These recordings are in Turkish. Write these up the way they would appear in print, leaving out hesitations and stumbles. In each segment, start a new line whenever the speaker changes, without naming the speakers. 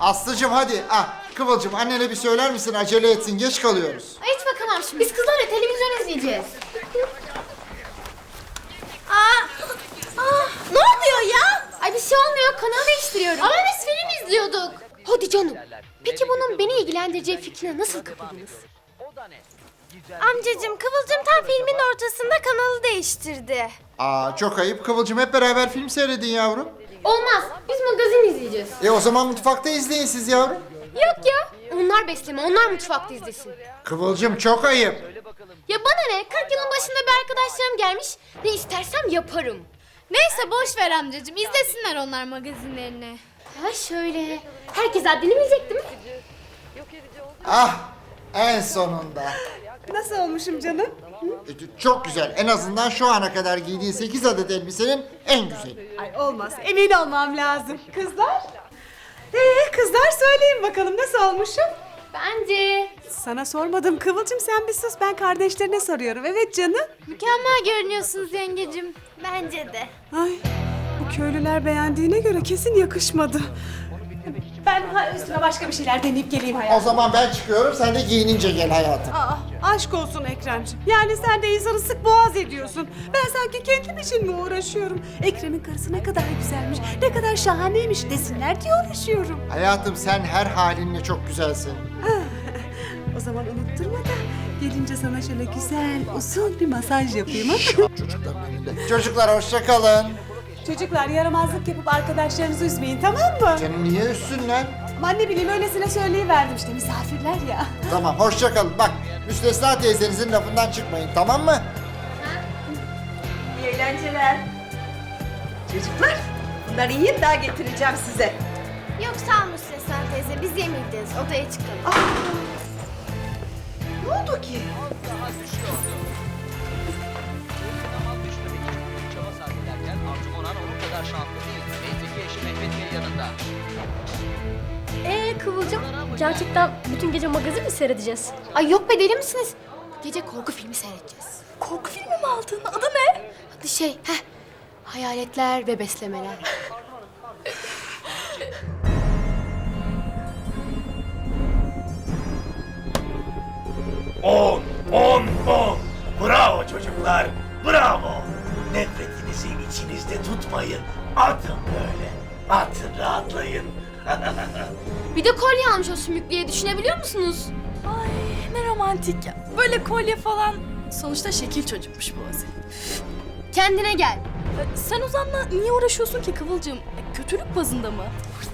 Aslıcığım hadi. Kıvılcım annene bir söyler misin? Acele etsin. Geç kalıyoruz.
Ay hiç bakamam şimdi. Biz kızlarla televizyon izleyeceğiz. Ne oluyor ya? Ay bir şey olmuyor. Kanalı değiştiriyorum. Ama biz film izliyorduk. Hadi canım. Peki bunun beni ilgilendireceği fikrine nasıl kapıldınız?
Amcacığım, Kıvılcım tam filmin ortasında kanalı değiştirdi.
Çok ayıp. Kıvılcım hep beraber film seyredin yavrum.
Olmaz. Biz magazin izleyeceğiz.
O zaman mutfakta izleyin siz yavrum.
Yok ya. Onlar besleme. Onlar mutfakta izlesin.
Kıvılcım çok ayıp.
Ya bana ne? 40 yılın başında bir arkadaşlarım gelmiş. Ne istersem yaparım.
Neyse boş ver amcacığım, izlesinler onlar magazinlerini.
Ha şöyle. Herkes haddini bilecek değil mi?
En sonunda.
Nasıl olmuşum canım?
Çok güzel. En azından şu ana kadar giydiğin 8 adet elbisenin en güzeli.
Ay olmaz, emin olmam lazım. Kızlar? Kızlar söyleyin bakalım nasıl olmuşum?
Bence.
Sana sormadım Kıvılcım, sen bir sus, ben kardeşlerine soruyorum. Evet canım.
Mükemmel görünüyorsunuz yengecim. Bence de.
Ay, bu köylüler beğendiğine göre kesin yakışmadı. Ben üstüne başka bir şeyler deneyip geleyim
O
hayatım.
zaman ben çıkıyorum. Sen de giyinince gel hayatım.
Aşk olsun Ekremciğim. Yani sen de insanı sık boğaz ediyorsun. Ben sanki kendim için mi uğraşıyorum? Ekrem'in karısı ne kadar güzelmiş, ne kadar şahaneymiş desinler diye uğraşıyorum.
Hayatım sen her halinle çok güzelsin.
O zaman unutturma da gelince sana şöyle güzel, usul bir masaj yapayım ha?
Çocukların önünde. Çocuklar hoşça kalın.
Çocuklar yaramazlık yapıp arkadaşlarınızı üzmeyin, tamam mı?
Canım niye üstünler?
Aman ne bileyim, öylesine söyleyiverdim işte, misafirler ya.
Tamam hoşça kalın. Bak Müstesna teyzenizin lafından çıkmayın, tamam mı?
İyi eğlenceler. Çocuklar, bunları yiyin, daha getireceğim size.
Yok sağ ol Müstesna teyze, biz yemeyeceğiz. Odaya çıkalım.
Ne oldu ki?
Zaman düşmemek için çaba sarf ederken Arzu Onan onun kadar şanslı değil. Neyse eşi Mehmet Bey yanında.
Kıvılcım, gerçekten bütün gece magazin mi seyredeceğiz?
Ay yok be, deli misiniz? Gece korku filmi seyredeceğiz.
Korku filmi mi aldın? Adı ne?
Adı hayaletler ve beslemeler.
On, 10. Bravo çocuklar, bravo. Nefretinizi içinizde tutmayın. Atın böyle. Atın, rahatlayın.
Bir de kolye almış o sümüklüye, düşünebiliyor musunuz?
Ay ne romantik ya. Böyle kolye falan. Sonuçta şekil çocukmuş bu Aziz.
Kendine gel.
Sen Ozan'la niye uğraşıyorsun ki Kıvılcım? Kötülük bazında mı?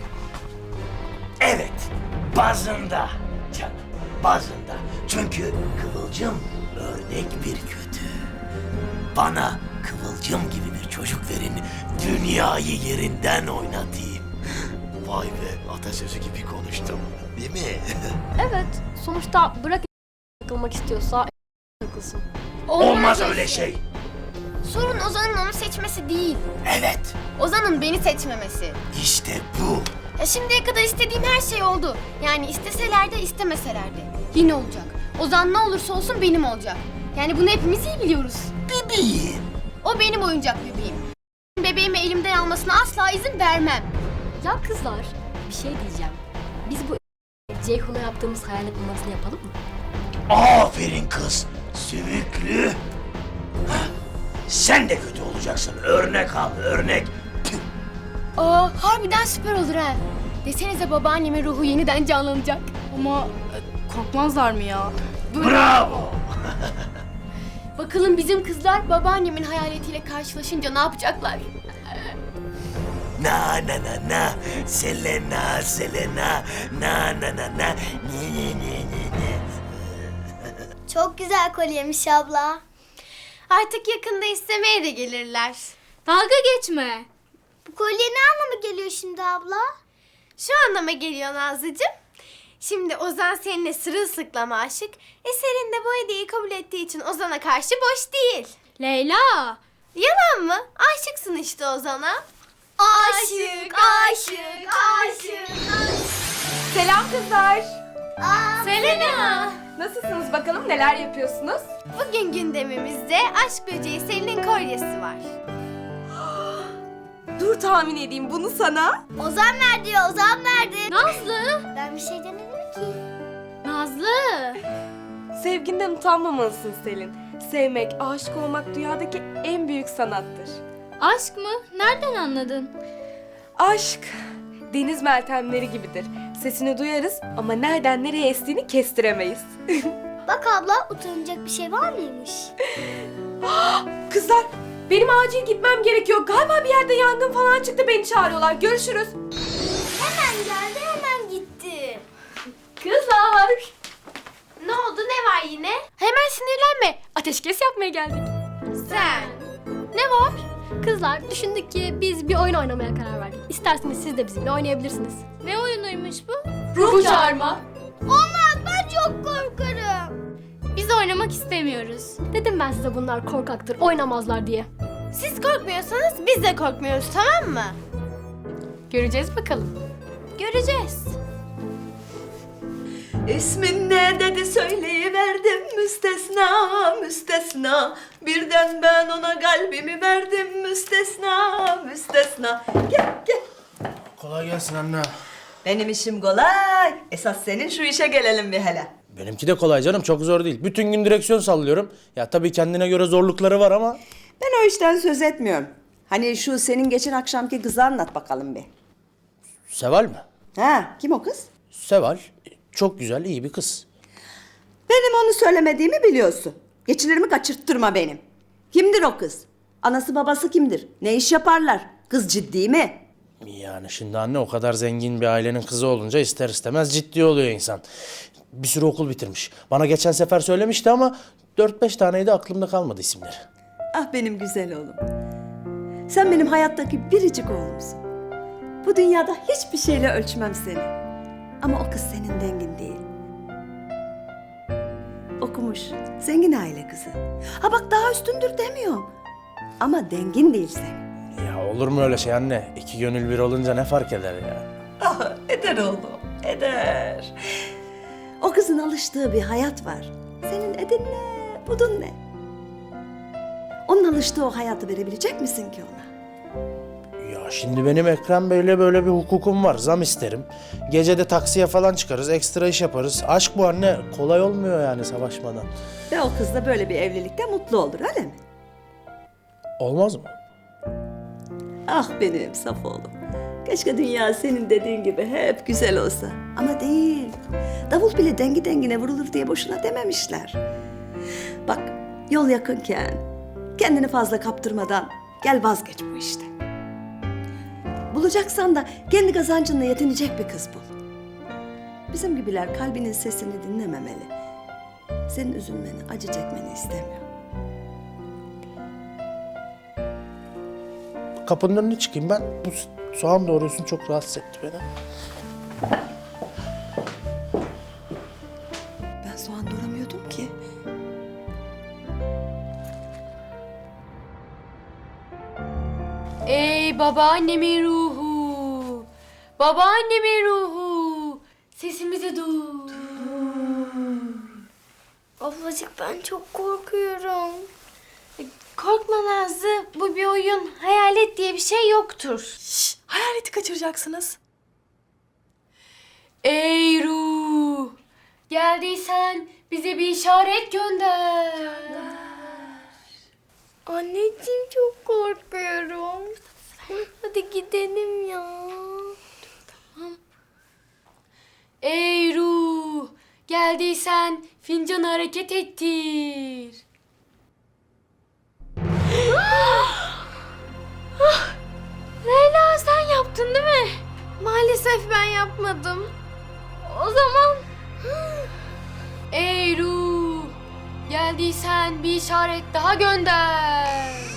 Evet, bazında. Canım, bazında. Çünkü Kıvılcım örnek bir kötü. Bana Kıvılcım gibi bir çocuk verin, dünyayı yerinden oynatayım. Vay be, atasözü gibi konuştum, değil mi?
Evet. Sonuçta bırak takılmak istiyorsa takılsın.
Olmaz öyle şey.
Sorun Ozan'ın onu seçmesi değil.
Evet,
Ozan'ın beni seçmemesi.
işte bu.
Ya şimdiye kadar istediğim her şey oldu. Yani isteseler de istemeseler de. Yine olacak. Ozan ne olursa olsun benim olacak. Yani bunu hepimiz iyi biliyoruz.
Bebeğim.
O benim oyuncak bebeğim. Bebeğimi elimden almasına asla izin vermem.
Ya kızlar, bir şey diyeceğim. Biz bu Ceyhun'a yaptığımız hayalet numarasını yapalım mı?
Aferin kız, sümüklü. Hah, sen de kötü olacaksın, örnek al, örnek. Tüh.
Harbiden süper olur ha. Desenize babaannemin ruhu yeniden canlanacak.
Ama korkmazlar mı ya?
Bravo.
Bakalım bizim kızlar babaannemin hayaletiyle karşılaşınca ne yapacaklar?
Na na na na, Selena, Selena, na na na na, ne.
Çok güzel kolyemiş abla.
Artık yakında istemeye de gelirler.
Dalga geçme. Bu kolye ne anlama geliyor şimdi abla?
Şu anlama geliyor Nazlıcığım. Şimdi Ozan seninle sırılsıklam aşık. Serin de bu hediyeyi kabul ettiği için Ozan'a karşı boş değil.
Leyla.
Yalan mı? Aşıksın işte Ozan'a.
Aşık, aşık, aşık.
Selam kızlar.
Selena.
Nasılsınız bakalım, neler yapıyorsunuz?
Bugün gündemimizde aşk böceği Selin'in kolyesi var.
Dur mı tahmin edeyim bunu sana?
Ozan verdi ya, Ozan verdi.
Nazlı!
Ben bir şey demedim ki.
Nazlı!
Sevginden utanmamalısın Selin. Sevmek, aşık olmak dünyadaki en büyük sanattır.
Aşk mı? Nereden anladın?
Aşk, deniz meltemleri gibidir. Sesini duyarız ama nereden nereye estiğini kestiremeyiz.
Bak abla, utanacak bir şey var mıymış?
Kızlar, benim acil gitmem gerekiyor. Galiba bir yerde yangın falan çıktı, beni çağırıyorlar. Görüşürüz.
Hemen geldi, hemen gitti.
Kızlar!
Ne oldu, ne var yine?
Hemen sinirlenme. Ateşkes yapmaya geldik.
Sen.
Ne var? Kızlar düşündük ki biz bir oyun oynamaya karar verdik. İsterseniz siz de bizimle oynayabilirsiniz. Ne oyunuymuş bu? Ruh çağırma.
Olmaz, ben çok korkarım.
Biz oynamak istemiyoruz. Dedim ben size bunlar korkaktır, oynamazlar diye.
Siz korkmuyorsanız biz de korkmuyoruz, tamam mı?
Göreceğiz bakalım.
Göreceğiz.
İsmin ne dedi söyleyiverdim müstesna müstesna. Birden ben ona kalbimi verdim müstesna müstesna. Gel gel.
Kolay gelsin anne.
Benim işim kolay. Esas senin şu işe gelelim bir hele.
Benimki de kolay canım, çok zor değil. Bütün gün direksiyon sallıyorum. Ya tabii kendine göre zorlukları var ama...
Ben o işten söz etmiyorum. Hani şu senin geçen akşamki kızı anlat bakalım bir.
Seval mi?
Ha, kim o kız?
Seval, çok güzel, iyi bir kız.
Benim onu söylemediğimi biliyorsun. Geçilerimi kaçırttırma benim. Kimdir o kız? Anası babası kimdir? Ne iş yaparlar? Kız ciddi mi?
Yani şimdi anne o kadar zengin bir ailenin kızı olunca ister istemez ciddi oluyor insan. Bir sürü okul bitirmiş. Bana geçen sefer söylemişti ama 4-5 taneydi, aklımda kalmadı isimleri.
Ah benim güzel oğlum. Sen benim hayattaki biricik oğlumsun. Bu dünyada hiçbir şeyle ölçmem seni. Ama o kız senin dengin değil. Okumuş, zengin aile kızı. Ha bak daha üstündür demiyorum. Ama dengin değil senin.
Ya olur mu öyle şey anne? İki gönül bir olunca ne fark eder ya?
Ah eder oğlum, eder. O kızın alıştığı bir hayat var. Senin edin ne, budun ne? Onun alıştığı o hayatı verebilecek misin ki ona?
Ya şimdi benim Ekrem Bey'le böyle bir hukukum var. Zam isterim. Gece de taksiye falan çıkarız, ekstra iş yaparız. Aşk bu anne. Kolay olmuyor yani savaşmadan.
Ve o kız da böyle bir evlilikte mutlu olur öyle mi?
Olmaz mı?
Ah benim saf oğlum. Keşke dünya senin dediğin gibi hep güzel olsa. Ama değil. Davul bile dengi dengine vurulur diye boşuna dememişler. Bak yol yakınken kendini fazla kaptırmadan gel vazgeç bu işte. Bulacaksan da kendi kazancınla yetinecek bir kız bul. Bizim gibiler kalbinin sesini dinlememeli. Senin üzülmeni, acı çekmeni istemiyor.
Kapının önüne çıkayım ben. Bu soğan doğruyorsun, çok rahatsız etti beni.
Ben soğan doğramıyordum ki.
Ey babaannemin ruhu! Babaannemin ruhu! Sesimizi duy.
Ablacık ben çok korkuyorum.
Korkma Nazlı, bu bir oyun. Hayalet diye bir şey yoktur.
Hayaleti kaçıracaksınız.
Ey ruh! Geldiysen bize bir işaret gönder.
Anneciğim çok korkuyorum. Hadi gidelim ya.
Ey ruh! Geldiysen fincanı hareket ettir.
Leyla sen yaptın değil mi? Maalesef ben yapmadım. O zaman...
Ey ruh! Geldiysen bir işaret daha gönder.